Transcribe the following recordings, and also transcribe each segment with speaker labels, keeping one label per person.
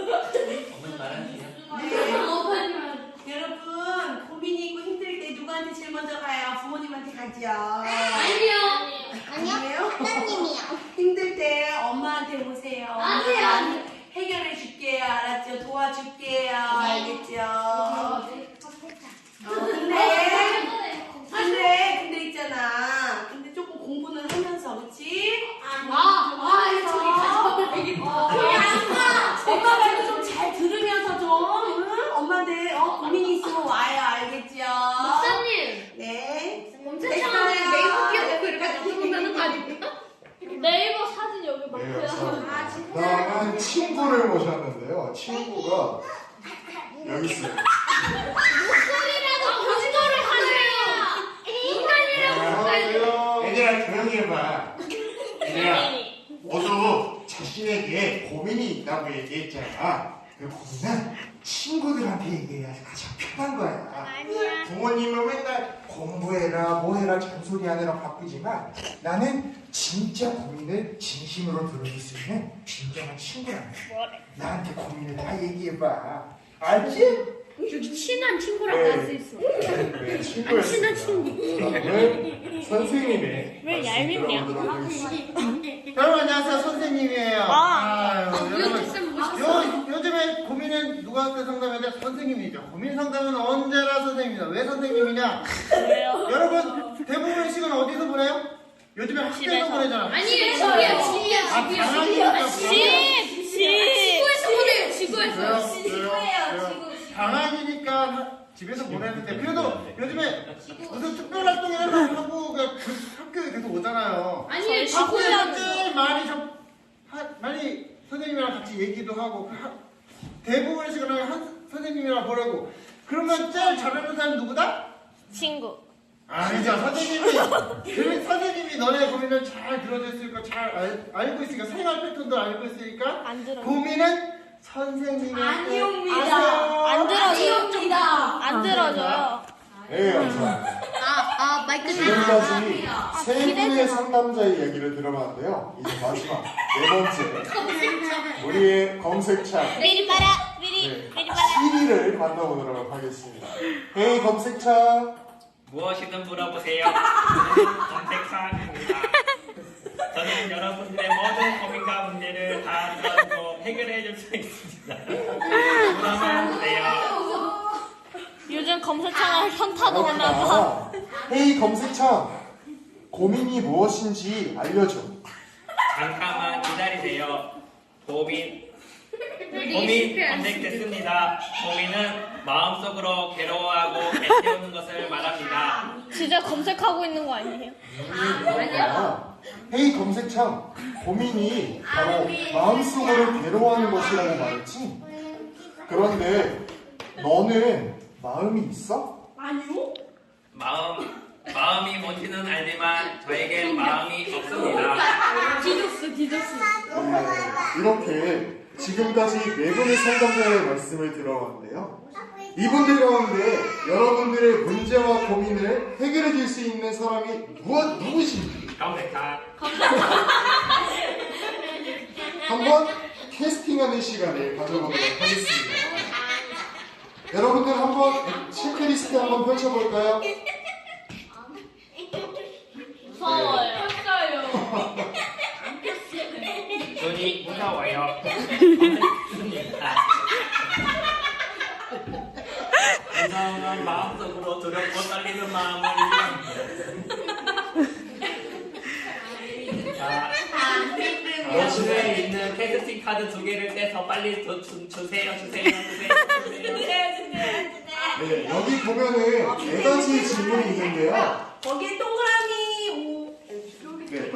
Speaker 1: 어머니 말하세요.
Speaker 2: 네. 여러분 고민이 있고 힘들 때 누구한테 제일 먼저 가요? 부모님한테 가죠. 아니에요?
Speaker 3: 사장님이요.
Speaker 2: 힘들 때 엄마한테 오세요. 엄마가 해결해 줄게요. 알았죠? 도와줄게요. 알겠죠? 근데 있잖아. 근데 조금 공부는 하면서, 그치? 엄마 말도 좀 잘 들으면서 좀, 응? 엄마들, 고민이 있으면 와요. 알겠죠?
Speaker 4: 목사님,
Speaker 2: 네.
Speaker 4: 검색창에 네이버 끼워놓고 이렇게 넣어놓는다는 거 아닙니까? 네이버 사진 여기
Speaker 5: 네,
Speaker 4: 많고요.
Speaker 5: 감사합니다. 다음은 친구를 모셨는데요. 친구가 여기 있어요.
Speaker 4: 목소리라도 거짓말을 하세요. 인간이라고.
Speaker 5: 얘들아 조용히 해봐. 얘들아 모두 자신에게 고민이 있다고 얘기했잖아. 그 고민은 친구들한테 얘기해야지 가장 편한 거야. 부모님은 맨날 공부해라 뭐해라 잔소리하느라 바쁘지만 나는 진짜 고민을 진심으로 들어줄 수 있는 진정한 친구라네. 나한테 고민을 다 얘기해봐. 알지?
Speaker 4: 친한 친구라고
Speaker 5: 네.
Speaker 4: 할 수 있어.
Speaker 5: 네, 친구였습니다.
Speaker 4: 친한 친구.
Speaker 5: 다음은 선생님의
Speaker 4: 왜
Speaker 5: 말씀
Speaker 4: 얄밉냐?
Speaker 5: 들어보도록 하겠습니다.
Speaker 6: 여러분 안녕하세요, 선생님이에요.
Speaker 4: 쌤
Speaker 6: 요즘에 고민은 누구한테 상담해야 돼? 선생님이죠. 고민 상담은 언제나 선생님이다. 왜 선생님이냐?
Speaker 4: 왜요?
Speaker 6: 여러분 대부분의 시간 어디서 보내요? 요즘에 학교에서 보내잖아.
Speaker 4: 아니에요, 집이야.
Speaker 6: 방학이니까
Speaker 4: 지구에서 보내요, 지구에서.
Speaker 6: 왜요? 방학이니까 집에서 보내는데 그래도 요즘에 무슨 특별 활동이라도 하고 학교에 계속 오잖아요.
Speaker 4: 아니에요,
Speaker 6: 학교에서
Speaker 4: 지구에서.
Speaker 6: 제일 많이 선생님이랑 같이 얘기도 하고 대부분의 시간을 선생님이랑 보내고 그러면 제일 잘하는 사람이 누구다?
Speaker 4: 친구.
Speaker 6: 아니죠. 선생님이 너네 고민을 잘 들어줬으니까 잘 알고 있으니까 생활 패턴도 알고 있으니까
Speaker 4: 안 들어.
Speaker 6: 고민은 선생님한테
Speaker 4: 안 들어줘요. 안 들어줘요.
Speaker 5: 네, 감사합니다.
Speaker 4: 마이크
Speaker 5: 지금까지 세 분의 상담자의 얘기를 들어봤는데요. 이제 마지막 네 번째 우리의 검색창
Speaker 4: 미리 봐라.
Speaker 5: 네, 7위를 만나보도록 하겠습니다. 헤이 검색창.
Speaker 1: 무엇이든 물어보세요. 검색사항입니다. 저는 여러분들의 모든 고민과 문제를 다 들어주고 해결해 줄 수 있습니다. 물어보면 돼요.
Speaker 4: 요즘 검색창에 현타도 오나봐.
Speaker 5: 헤이 검색창. 고민이 무엇인지 알려줘.
Speaker 1: 잠깐만 기다리세요. 고민 검색됐습니다. 고민은 마음속으로 괴로워하고 애태우는 것을 말합니다.
Speaker 4: 진짜 검색하고 있는 거 아니에요?
Speaker 5: 아니야. 헤이 검색창. 고민이 바로 마음속으로 괴로워하는 것이라고 말했지. 그런데 너는 마음이 있어?
Speaker 2: 아니요?
Speaker 1: 마음이 뭔지는 알지만 저에겐 마음이 없습니다.
Speaker 4: 디도스.
Speaker 5: 네, 이렇게 지금까지 네 분의 상담자의 말씀을 들어봤는데요. 이분들 가운데 여러분들의 문제와 고민을 해결해 줄 수 있는 사람이 누구신지
Speaker 1: 검색사.
Speaker 5: 한번 캐스팅하는 시간을 가져보도록 하겠습니다. 여러분들 한번 체크리스트 한번 펼쳐볼까요?
Speaker 4: 무서워요.
Speaker 1: 눈이 무서워요. 검색습니다. 무서운 마음속으로 두렵고 떨리는 마음을 이해합니다. 자, 요즘에 있는 캐스팅 카드 2개를 떼서 빨리 주세요.
Speaker 5: 네, 여기 보면은 4가지 질문이 있는데요.
Speaker 2: 거기에 동그라미
Speaker 5: 네.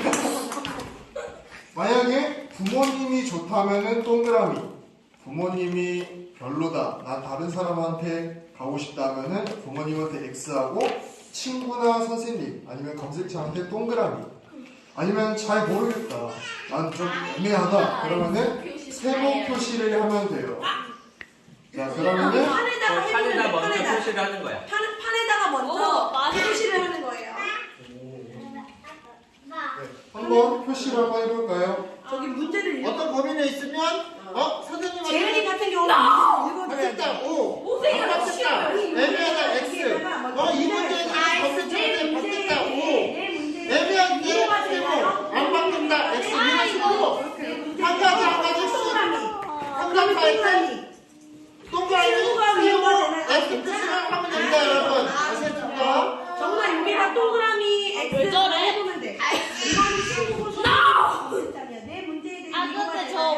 Speaker 5: 만약에 부모님이 좋다면은 동그라미, 부모님이 별로다, 나 다른 사람한테 가고 싶다면은 부모님한테 X하고, 친구나 선생님 아니면 검색창한테 동그라미, 아니면 잘 모르겠다, 난 좀 애매하다, 그러면은 세모 표시를 하면 돼요. 자, 그러면은
Speaker 1: 판에다 먼저 표시를 하는 거야.
Speaker 2: 판에다가 먼저 표시를 하는 거예요.
Speaker 5: 네, 한번 표시를 한번 해볼까요?
Speaker 2: 저기 문제를 읽어.
Speaker 6: 어떤 고민이 있으면 선생님한테
Speaker 2: 재현이 같은 경우는 읽어줘야 돼.
Speaker 6: 바뀌었다 O 바뀌었다 애매하다 X 이 문제에 대해서 검색창에 바뀌었다 O 애매한 게 세모 안 바뀐다 X 이런 식으로 한 가지
Speaker 2: 동그라미.
Speaker 6: 동그라미 세모 X 뜻을 하면 됩니다 여러분 아시겠습니까?
Speaker 2: 정말 여기다 동그라미 X를 해보면 돼. 이거는 친구고 소리야. 내 문제에 대해 위로가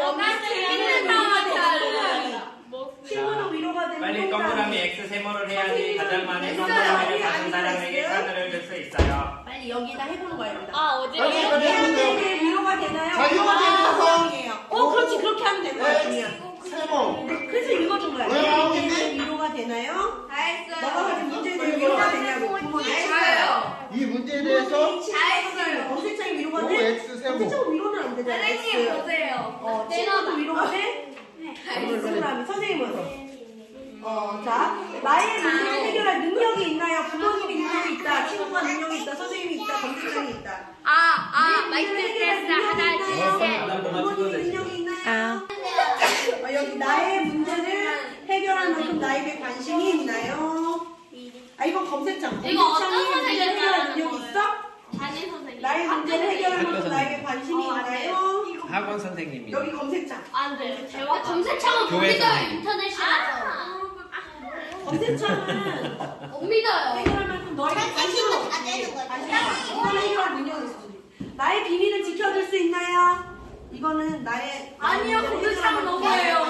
Speaker 2: 되나요? 친구는 위로가 되는
Speaker 1: 빨리 동그라미 X 세모를 해야지 가장 많은 동그라미를 가진 사람에게 카드를 줄 수 있어요.
Speaker 2: 빨리 여기다 해보는 거야. 여기다.
Speaker 6: 빨리
Speaker 2: 문제에
Speaker 6: 해보세요
Speaker 2: 대해 위로가 되나요?
Speaker 6: 자, 이거 대해서
Speaker 2: 그렇지. 그렇게 하면 되는 거야. 그냥.
Speaker 6: 세모
Speaker 2: 그래서 읽어준 거야.
Speaker 6: 왜 나오겠니?
Speaker 2: 위로가 되나요?
Speaker 4: 다 했어요.
Speaker 2: 너가 가진 문제에 대해 위로가 되냐고.
Speaker 6: 이 문제에 대해서
Speaker 2: 검색창이 위로가
Speaker 6: O
Speaker 2: 돼?
Speaker 6: X 세모
Speaker 2: 검색창은 위로는 안 되잖아.
Speaker 4: 선생님 보세요.
Speaker 2: 친구도 위로가 돼? 동그라미. 선생님은? 자, 나의 문제를 해결할 능력이 있나요? 부모님이 능력이 있다, 친구가 능력이 있다, 선생님이 있다, 검색창이 있다.
Speaker 4: 마이크 테스트 하나, 둘, 셋.
Speaker 2: 부모님이 능력이 있나요? 여기 나의 문제를 해결할 만큼 나에게 관심이 있나요? 이건 검색창.
Speaker 4: 이거 어떤
Speaker 2: 검색창이
Speaker 4: 선생님이
Speaker 2: 해결할
Speaker 4: 하는
Speaker 2: 능력이 있어?
Speaker 4: 담임 선생님.
Speaker 2: 나의 문제를 해결할 만큼
Speaker 1: 학교
Speaker 2: 나에게 관심이 있나요?
Speaker 1: 학원 선생님이.
Speaker 2: 여기 검색창.
Speaker 4: 안 돼. 검색창은 못
Speaker 1: 교회
Speaker 4: 믿어요.
Speaker 1: 선생님.
Speaker 4: 인터넷이라서.
Speaker 2: 검색창은
Speaker 4: 못 믿어요.
Speaker 2: 해결할 만큼 너에게 관심이 없지. 관심이 없어. 이거는 해결할 능력이 있어. 나의 비밀을 지켜줄 수 있나요? 이거는 나의
Speaker 4: 아니요, 검색창은 너무해요.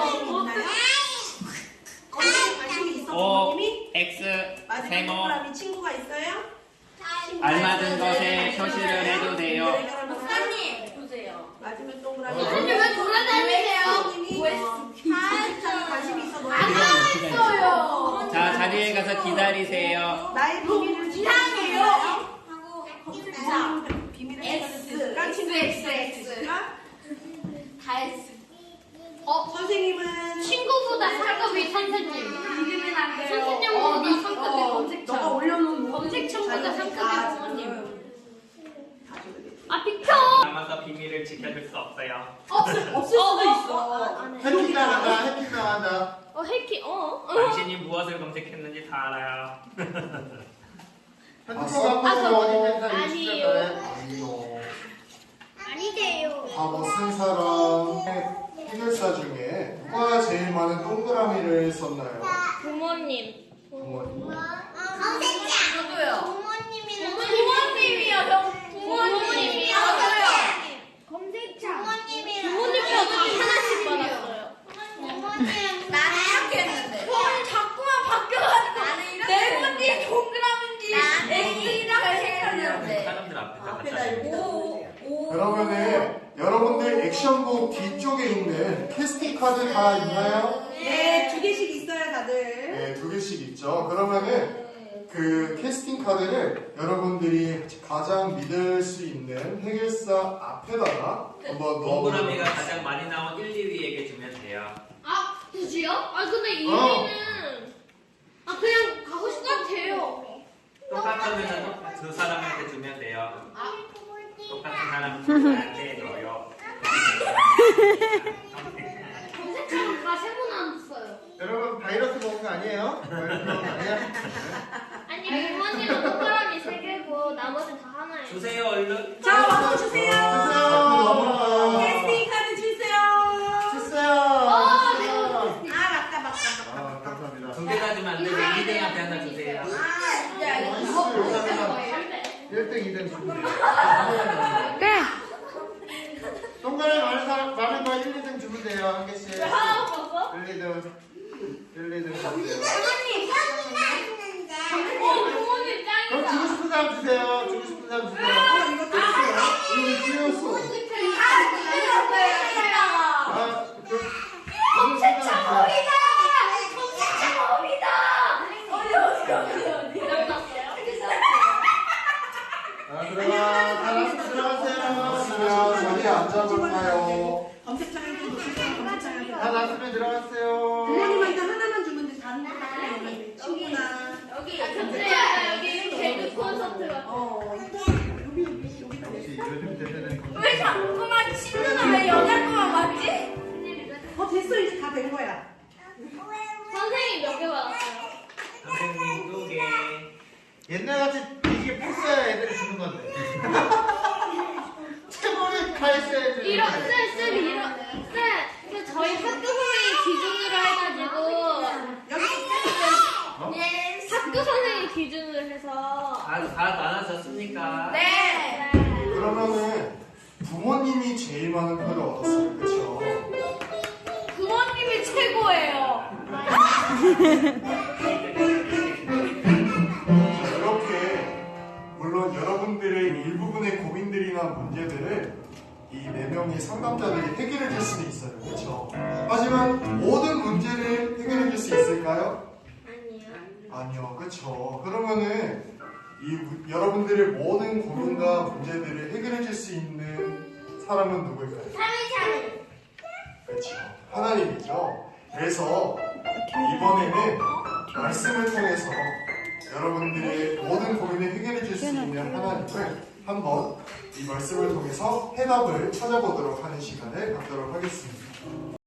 Speaker 2: 검색에 관심이 있어
Speaker 1: O
Speaker 2: 부모님이?
Speaker 1: X
Speaker 2: 마지막
Speaker 1: 세모
Speaker 2: 동그라미 친구가 있어요?
Speaker 1: 알맞은 것에 표시를 해주세요.
Speaker 4: 목사님 보세요.
Speaker 2: 마지막 동그라미
Speaker 4: 선생님 왜 돌아다니세요?
Speaker 2: 검색창에 관심이 있어 너에게
Speaker 4: 했어요.
Speaker 1: 자 자리에 가서 기다리세요.
Speaker 2: 나의 비밀을 지켜줄 수 있나요? 비밀을 지켜줄 수 있을까? 친구의 비밀을 지켜줄 수 있을까?
Speaker 4: 다 했어.
Speaker 2: 선생님은
Speaker 4: 친구보다 상급이 선생님. 이름은 안 돼요. 선생님보다 상급이
Speaker 2: 너가
Speaker 4: 검색창.
Speaker 2: 올려놓은
Speaker 4: 검색창보다 상급이 부모님. 아 비켜.
Speaker 1: 남아서 비밀을 지켜줄 수 없어요.
Speaker 2: 없을 수도 있어.
Speaker 6: 해킹 나간다 해킹 나간다
Speaker 4: 해키
Speaker 1: 당신이 무엇을 검색했는지 다 알아요.
Speaker 6: 핸드폰 갖고 있으면 어디 있는 사람이
Speaker 4: 아니에요.
Speaker 6: 진짜네.
Speaker 4: 아니세요.
Speaker 5: 과거 쓴 사람 해결사 중에 누가 제일 많은 동그라미를 썼나요?
Speaker 4: 부모님.
Speaker 5: 부모님.
Speaker 4: 저도요. 부모님이요. 형. 부모님이요. 검색창. 부모님이요. 다 하나씩 받았어요. 나는 이렇게 했는데. 자꾸만 바뀌어가지고 네 번째 동그라미인지 X랑 했는데.
Speaker 1: 사람들 앞에서
Speaker 2: 앞에다
Speaker 1: 갖다
Speaker 2: 이렇게
Speaker 1: 대고.
Speaker 5: 그러면은 여러분들 액션북 뒤쪽에 있는 캐스팅 카드 다 있나요?
Speaker 2: 네, 2개씩 있어요, 다들.
Speaker 5: 네, 2개씩 있죠. 그러면은 그 캐스팅 카드를 여러분들이 가장 믿을 수 있는 해결사 앞에다가 한번
Speaker 1: 동그라미가 가장 많이 나온 1, 2위에게 주면 돼요.
Speaker 4: 굳이요? 근데 2위는 그냥 가고 싶을 것 같아요.
Speaker 1: 똑같으면 그 사람한테 주면 돼요. 똑같은 사람한테 넣어요.
Speaker 4: 검색창은 다 세고 나왔어요.
Speaker 6: 여러분 바이러스 먹은 거 아니에요? 바이러스 먹은 거 아니야?
Speaker 4: 아니 부모님은 동그라미 3개고 나머지는 다 하나예요.
Speaker 1: 주세요 얼른.
Speaker 2: 자, 와서 주세요.
Speaker 6: 주세요.
Speaker 2: 캐스팅 카드 주세요.
Speaker 6: 주세요.
Speaker 2: 맞다.
Speaker 6: 감사합니다.
Speaker 1: 두 개 가지면 안 되고 2등한테 하나 주세요.
Speaker 4: 네.
Speaker 6: 1등, 2등 주세요. 동그라미 많은 거 1, 2등 주면 돼요. 한 개씩. 1, 2등. 1, 2등 주세요.
Speaker 4: 부모님
Speaker 6: 그럼 주고 싶은 사람 주세요. 주고 싶은 사람 주세요.
Speaker 2: 이거 떴어요.
Speaker 5: 이거 띄웠어. 그러면 자리에 앉아볼까요?
Speaker 2: 검색창에 좀 놓으세요. 검색창에.
Speaker 6: 다 나왔으면 들어갔어요.
Speaker 2: 부모님한테 하나만 주면 돼. 다른 거 하나만 친구나.
Speaker 4: 여기 개그 콘서트 같은.
Speaker 2: 여기다
Speaker 6: 역시 요즘 대세는
Speaker 4: 왜 자꾸만 친구는 왜 여자
Speaker 2: 됐어, 이제 다 된 거야.
Speaker 4: 선생님 몇 개 받았어요?
Speaker 1: 선생님 2개.
Speaker 6: 옛날같이 이게 패스야 애들이 주는 건데. 최고를 다했어야지.
Speaker 4: 이런 쌤 저희 학교 선생님 기준으로 해가지고 학교 선생님 기준으로 해서
Speaker 1: 다 나눠졌습니까?
Speaker 4: 네.
Speaker 5: 그러면은 부모님이 제일 많은 표를 얻었어요. 그렇죠?
Speaker 4: 부모님이 최고예요.
Speaker 5: 이렇게 물론 여러분들의 일부분의 고민들이나 문제들을 이 4명의 상담자들이 해결해 줄 수는 있어요. 그렇죠? 하지만 모든 문제를 해결해 줄 수 있을까요? 아니요. 그렇죠. 그러면은 여러분들의 모든 고민과 문제들을 해결해 줄 수 있는 사람은 누구일까요? 그렇죠. 하나님이죠. 그래서 이번에는 말씀을 통해서 여러분들의 모든 고민을 해결해 줄 수 있는 하나님을 한번 이 말씀을 통해서 해답을 찾아보도록 하는 시간을 갖도록 하겠습니다.